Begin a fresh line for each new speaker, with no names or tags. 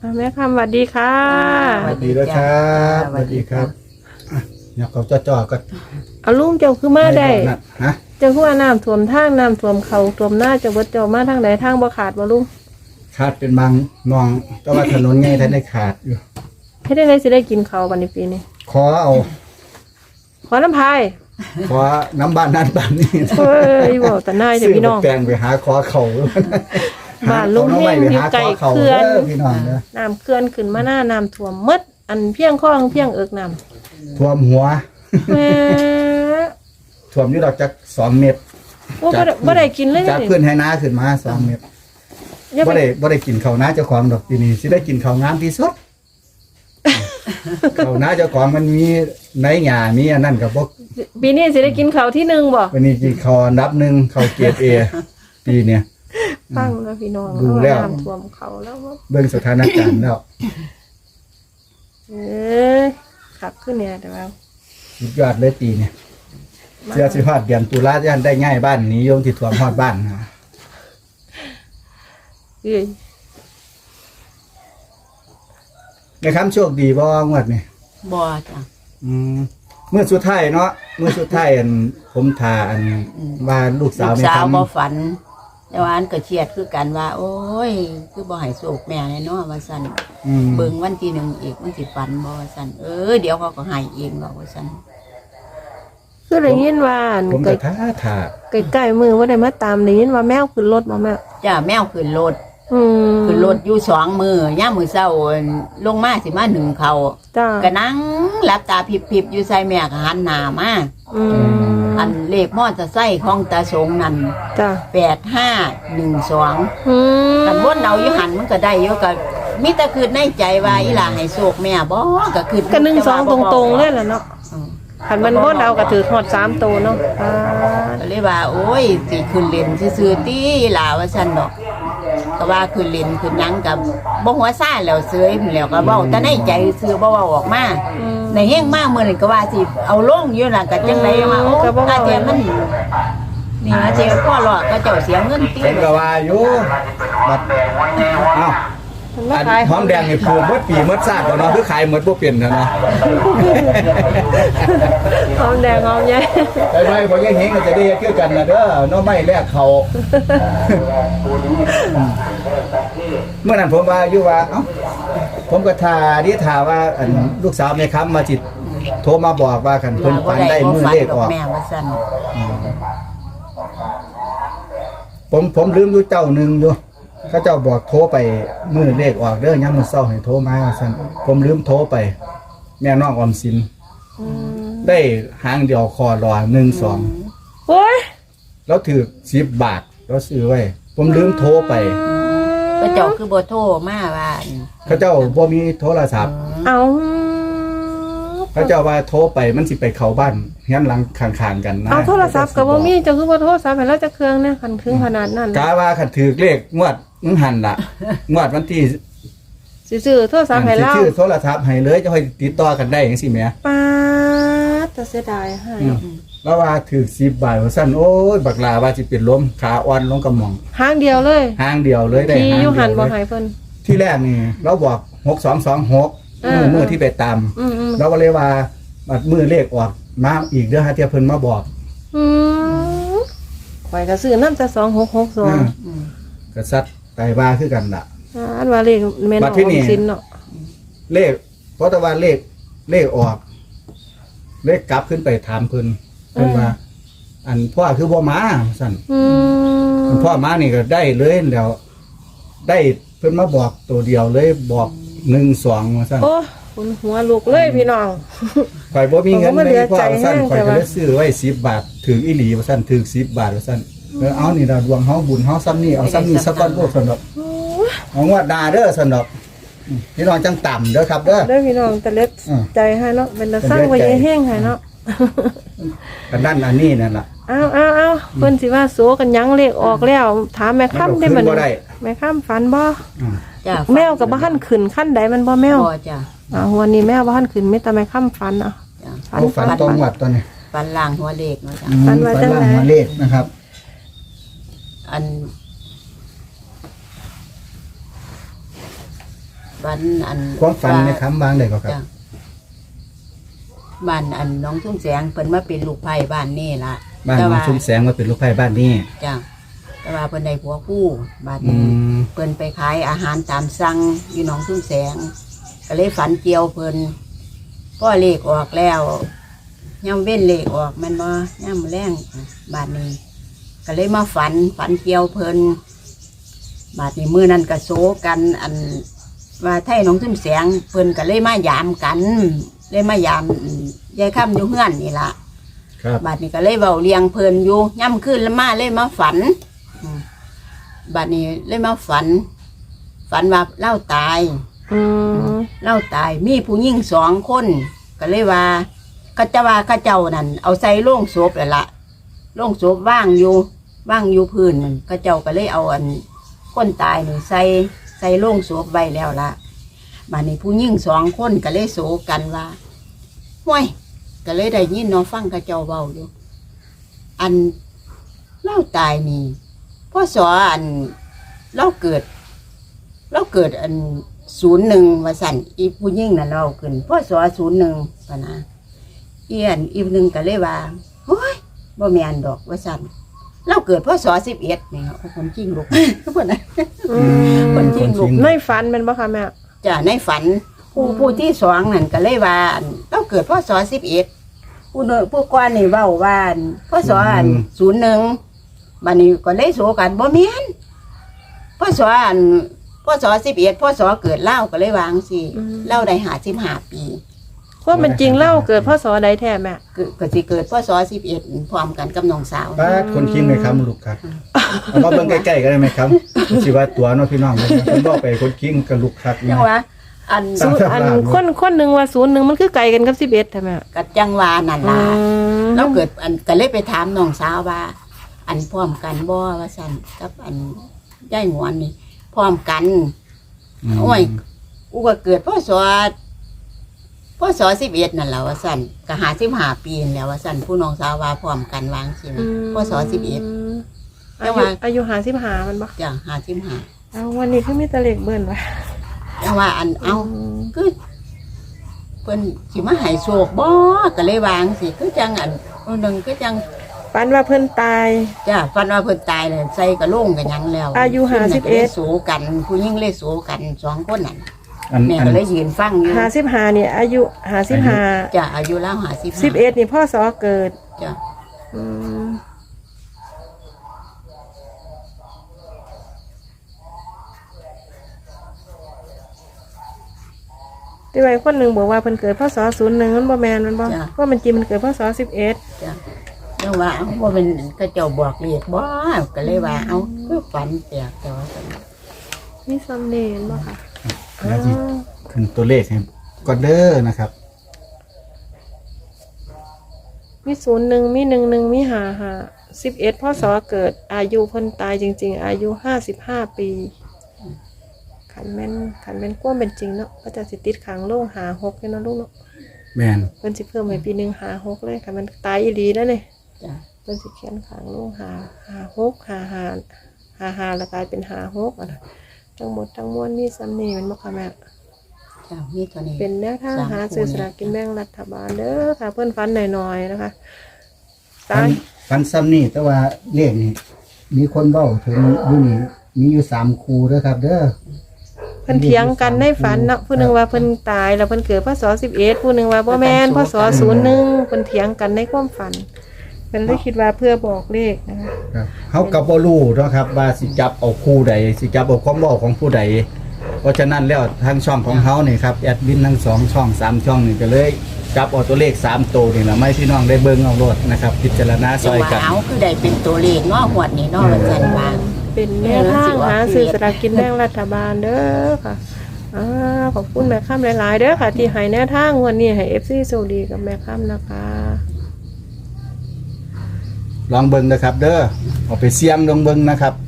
แม่คำสวัสดีค่ะ
สวัสดีด้วยครับสวัสดีครับเนี่ยเขาจ่อๆก็
เอาลุงเจ้าคือมาได้
ฮะ
เจ้าคือว่าน้ำท่วมทางน้ำท่วมเขาท่วมหน้าเจ้าเบิดเจ้ามาทางไหนทางบ่ขาดบ่ลุง
ขาดเป็นบางมองแต่ว่าถนนไงท่านได้ขาดอยู่
ให้ได้เลยสิได้กินเขาววันนี้ปีนี้
ขอเอา
ขอน้ำพาย
ขอน้ำบ้านนั่นบ้านนี้
เฮ้ยบอกแต่นายเดี๋ยวพี่น้อง
ซื้แปลงไปหาขอเขา
บ้านลุงเฮงอยู่ไกลเขื่อน
พี่น้องเด้อ
น้ำเขื่อนขึ้นมาหน้าน้ำท่วมหมดอันเพียงข้องเพียงเอิกน้ำ
ท่วมหัว
แหม่
ท่วมอยู่ดอกจัก2 เมตร
โอ้บ่ได้กินเลย
จาก
นี่
พื้นให้น้าขึ้นมา2 เมตร
อย่า
บ่
ไป
ได้กินข้าวน้าเจ้าของดอกปีนี้สิได้กินข้าวงามที่สุด ข้าวน้าเจ้าของมันมีไหนหญ้ามีอันนั้นก็บ่
ปีนี้สิได้กินเขาวที่หนึ่งบ่
วันนี้กินข้าวอันดับ1ข้าวเกรด A ปีเนี่ย
ฟังแล้วพี่น้อง
ดูแล้ว
น้ำท่วมเขาแล้วว่า
เบิ่งสถานการณ์แล้ว
เอ้ยขับขึ้นเนี่ยแต่ว่า
สุดยอดเลยปีเนี่ยเสื้อสิฮอดเดือนตุลาย่านได้ง่ายบ้านนี้โยมที่ท่วมฮอดบ้านนะ
เอ้ย
ในคำโชคดีบ่งวดนี่
บ่จ้ะ
มื้อสุดท้ายเนาะมื้อสุดท้ายอันผมทาอันว่าลูกสาว
ลูก
แม่
สาว
ทำ
บ่ฝัน แต่ว่าอันก็เครียดคือกันว่า โอ้ย คือบ่ให้โศกแม่แน่เนาะว่าซั่น เบิ่งวันที่1อีกมันสิฝันบ่ว่าซั่นเดี๋ยวเขาก็ให้เองหรอกว่าซั่น
คือได้ยินว่าอัน
ผมก็ท่า
ใกล้ๆมือว่าได้มาตามได้ยินว่าแมวขึ้นรถบ่แม่
จ้าแมวขึ้นรถ
อืม
ขึ้นรถอยู่2มื้อย่ามมื้อเช้าลงมาสิมานึ่งข้าว
จ้า
ก็นั่งหลับตาพริบๆอยู่ใส่แม่ก็หันหน้ามา
อืม
อันเลขมอเตอร์ไซค์ของตาสงนั่น
จ้า
8512
อืม
กันบนเอาอยู่หันมันก็ได้อยู่ก็มีแต่คือในใจว่าอีหล่าให้โชคแม่บ่ก็คือ
ก็1 2ตรงๆเลยล่ะเนาะคันมันบ่เอาก็ถือฮอด3ตัวเนาะอ่า
ก็เลยว่า โอ้ยสิขึ้นเล่นซื่อๆติอีหล่าว่าซั่นดอกก็ว่าขึ้นเล่นขึ้นหยังกับบ่หัวซ่าแล้วเสยพุ่นแล้วก็เว้าแต่ในใจซื่อบ่เว้าออกมาในแฮงมามื้อนั้นก็ว่าสิเอาลงอยู่น่ะก็จังไดมาโอ้อาเทียมันนี่อาเทียพ่อรอดก็เจ้าเสียเงินติ
ผมก็ว่าอยู่บัดเอ้า
มันมา
อัน
ขาย
หอมแดงนี่ปลูกหมดปีหมดชาติบ่เนาะคือขายหมดบ่เป็นเท่าเนาะ
หอมแดงหอมใหญ่
ไปไปบ่ยังเฮงก็จะได้เฮ็ดคือกันนะเด้อเนาะไม่แลกเขาเมื่อนั้นผมว่าอยู่ว่าเอ้าผมก็ท่าว่าอันลูกสาวแม่ค้ำมาจิตโทรมาบอกว่าคันเพิ่นฝันได้มื้อเลขออก
แม่ว่าซั่น
ผมลืมอยู่เจ้าหนึงอยู่เขาเจ้าบอกโทรไปมื้อเลขออกเด้อยามมื้อเช้าให้โทรมาว่าซั่นผมลืมโทรไป แม่น้องออมสิน
อืม
ได้หางเดียวคอรอ12
โอ้ย
แล้วถือ10 บาทแล้วซื้อไว้ ผมลืมโทรไป
ก็เจ้าคือบ่โทรมาว่า
เขาเจ้าบ่มีโทรศัพท์
เอา
เขาเจ้าว่าโทรไปมันสิไปเข้าบ้านเฮียนหลังข้างๆกันนะ
เอาโทรศัพท์ก็บ่มีเจ้าคือบ่โทรศัพท์ให้เราจะเครื่องเนี่ยคันถึงขนาดนั้น
กาว่าคันถือเลขงวดมึงหันล่ะ งวดวันที่
สิซื้อโทรศัพท์ให้เรา
ชื่อโทรศัพท์ให้เลยจะค่อยติดต่อกันได้จังซี่แหม
ป๊าดแต่เสียดายให้
แล้วว่าถือ10 บาทว่าซั่นโอ้ยบักลาว่าสิเป็นลมขาอ่อนลงกระหม่อง
หางเดียวเลย
หางเดียวเลยได้
ที่
หาง
อยู่
เดี
หัน
ยว
บ่
เลย
ให้เพิ่น
ที่แรกนี่เราบอก6226มื้อที่ไปตาม
อืม
เราก็เลยว่าบัดมื้อเลขออกมาอีกเด้อฮะเที่ยเพิ่นมาบอก
อืมข่อยก็ซื้อนำแต่2662
กษัตริย์ไตว่าคือกันล่ะ
อันว่าเลขแม่น
บั
อ
ดที่
อ
นี่
มสินเนาะ
เลขเพราะแต่ว่าเลขออก เลขกลับขึ้นไปถามเพิ่นว่า อันพ่อคือบ่มาสั่น
อืม
อันพ่อมานี่ก็ได้เลยแล้วได้เพิ่นมาบอกตัวเดียวเลยบอก12ว่าสั่น
โอ้คุณหัวลูกเลยพี่น้อง
ข่อยบ่มีเงิน
ผมก็เหลื
ใน
อ
พ่อ
ใจ
ว่าสั่น
แห้ง
ข่อยก็
แต่ว่า
เลยซื้อไว้10 บาทถึงอีหลีว่าสั่นถึง10 บาทว่าสั่นเอานี่ล่ะดวงเฮาบุญเฮาซ้ำนี่เอาซ้ำนี่สักก้อนโลกซั่นดอกเอางวดหน้าเด้อซั่นดอกพี่น้องจังต่ำเด้อครับเด้อ
เด้อพี่น้องแต่เล็กใจให้เนาะเป็นตาสร้างไว้แห้งให้เนาะ
กันนั่นอันนี้นั่นล่ะ
เอาเพิ่นสิว่าโสกันหยังเลขออกแล้ว ถามแม่ค่ำได้
มั
มัน น
บ่ได้
แม่ค่ำฝันบ่
จ้ะ
แมวกับบ้านขึ้นขั้นใดมันบ่แมว
บ่จ้ะ
วันนี้แมวบ้านขึ้นไม่แต่แม่ค่ำฝันอ่ะ
จ้ะ
เอาฝันตรงวัดตอนนี้
ฟันล่างหัวเลขเนาะจ้ะ
ฝันว่าจัง
ฝั
ได๋
ล่างหัวเลขนะครับ
อันฝันอัน
ความฝันในคำบางได้ก็ครับ
จ้ะบ้านอันน้องทุ่งแสงเพิ่นมาเป็นลูกไผ่บ้านนี่ล่ะ
บ้านของชุมแสงมาเป็นลูกไผ่บ้านนี้
จ้ะแต่ว่าเพิ่นได้ผัวคู่บ้าน
อื
นี้
ม
เพิ่นไปขายอาหารตามสั่งอยู่หนองทุ่งแสง ก็เลยฝันเกี่ยวเพิ่นพ่อเลขออกแล้วย่ำเว้นเลขออกแมันบ่ย่ำแรงบาดนี้ ก็เลยมาฝันเกี่ยวเพิ่นบาดนี้มื้อนั้นก็โซกันอันว่าไทยหนองทุ่งแสงเพิ่นก็เลยมายามกันเลยมายามยายค่ำอยู่เฮือนนี่ล่ะ
ครับ
บาดนี้ก็เลยเว้าเลียงเพลินอยู่ย่ำขึ้นแล้วมาเลยมาฝันบาดนี้เลยมาฝันว่าเล่าตาย เล่าตายมีผู้หญิง2 คนก็เลยว่าเขาจะว่าเขาเจ้านั่นเอาใส่โล่งศพแล้วล่ะโล่งศพว่างอยู่พื้นนั่นเขาเจ้าก็เลยเอาอันคนตายนี่ใส่โล่งศพไว้แล้วล่ะบาดนี้ผู้หญิง2 คนก็เลยโศกกันว่าห้วยก็เลยได้ยินน้องฟังเขาเจ้าเว้าอยู่อันเล่าตายนี่พ่อสออันเล่าเกิดอัน01ว่าสั่นอีผู้หญิงน่ะเล่าขึ้นพ่อสอ01ปะนะอีหนึ่งก็เลยว่าโอ้ยบ่แม่นดอกว่าสั่นเล่าเกิดพ่อสอ11นี่เอาคนจริงลูกเพิ่นน่ะ คนจริงลูก
ในฝันแมันบ่ค่ะแม่
จ้ะในฝันผู้ที่2นั่นก็เลยว่าอันเล่าเกิดพ่อสอ11ผู้ก่อนนี่เว้าว่าอันพ่อสออัน01บัดนี้ก็เลยโศกันบ่แม่นพ่อสออันพ่อสอ11พ่อสอเกิดเล่าก็เลยวางสิเล่าได้55 ปี
ว่ามันจริงเล่าเกิดพศใดแท้แม่
ก็สิเกิดพ่อสอ11พร้อมกันกับน้องสาว
ป้าคนคิงไหมครับลูกครับเอามาเบิ่งใกล้ๆกันได้ไหมครับสิว่าตัวเนาะพี่น้องผมบอกไปคนคิงกับลูกครับ
จังว่าอัน
อันคนหนึ่งว่า01มันคือไกลกันกับ11ใช่ไหม
กัดจังว่านั่นล่ะเราเกิดอันก็เลยไปถามน้องสาวว่า อันพร้อมกันบ่ว่าซั่นกับอันยายหงวนนี่พร้อมกันโอ้ยกูก็เกิดพ่อสอ11นั่นแหละว่าซั่นก็55 ปีนั่นแหล้วว่าซั่นผู้น้องสาวว่าพร้อมกันวางสิพ่อสอ11
อายุ55มันบ่
จ้ะ55
เอาวันนี้คือมีแต่เลขเบิ่นว่ะ
จังว่าอันเอาคือเพิ่นสิมาให้โชคบ่ก็เลยวางสิคือจังอันนึงคือจัง
ฝันว่าเพิ่นตาย
จ้ะฝันว่าเพิ่นตายเลยใส่กระโหลกกันหยังแล้ว
อายุ
ขึ้นน่ะก็เลย
51
โสกันผู้หญิงเลยโสกัน2 คนนั่น
อัน
แม่ก็เลยยืนฟังอยู่
55นี่อายุ55
จ้ะอายุแล้ว55
11นี่พ่อสอเกิด
จ้ะ
อืมที่ไว้คนหนึ่งบอกว่าเพิ่นเกิดพศ01มันบ่แม่นมันบ่ว่ามันจริงมันเกิดพศ11
จ้ะจังว่าเอ้าบ่เป็นเขาเจ้าบอกเลขบ่ก็เลยว่าเอ้าคือฝันแปลกแต่ว่า
มีซัมเนนบ่ค่ะ
แล้วสิขึ้นตัวเลขให้ก็เด้อนะครับ
มี01มี11มี55 11พศเกิดอายุเพิ่นตายจริงๆอายุ55 ปีขันแม่นความเป็นจริงเนาะก็จะสิติดขังโลง56เนาะลูกเนาะ
แม่น
เพิ่นสิเพิ่มให้ปีหนึง56เลยค่ะมันตายอีหลีแล้วนี่
จ้ะ
เพิ่นสิเขียนขังโลง56 55แล้วกลายเป็น56อ่ะนะทั้งหมดทั้งมวลมีซัมเนมันบ่ค่ะแม่
จ้ะมีตัวนี้
เป็นแนวทางหาซื้อสลากกินแบ่งรัฐบาลเด้อค่ะเพิ่นฟันหน่อยๆนะคะตาย
ฟันซ้ำนี่แต่ว่าเลขนี่มีคนเว้าถึงอยู่นี่มีอยู่3คู่เด้อครับ เด้อ
เพิ่นเถียงกันในฝันเนาะผู้หนึงว่าเพิ่นตายแล้วเพิ่นเกิดพศ11ผู้หนึงว่าบ่แม่นพศ01เพิ่นเถียงกันในความฝันเพิ่นเลยคิดว่าเพื่อบอกเลขนะคะ
ครับเฮาก็บ่รู้เนาะครับว่าสิจับเอาคู่ใดสิจับเอาความเว้าของผู้ใดเพราะฉะนั้นแล้วทางช่องของเฮานี่ครับแอดมินทั้ง2ช่อง3ช่องนี่ก็เลยจับเอาตัวเลข3ตัวนี่ล่ะไม่พี่น้องได้เบิ่งเอาโลดนะครับพิจารณาซ
จัง
อย
ว่า
กัน
เอ้าคือได้เป็นตัวเลขเนาะหวดนี้เนาะว่าซั่นว่า
เป็นแนวทางหาซื้อสลากกินแบ่งรัฐบาลเด้อค่ะขอบคุณแม่ค่ำหลายๆเด้อค่ะที่ให้แนวทางวันนี้ให้ FC โชคดีกับแม่ค่ำนะคะ
ลองเบิ่งนะครับ เด้อเอาไปเสี่ยงลองเบิ่งนะครับ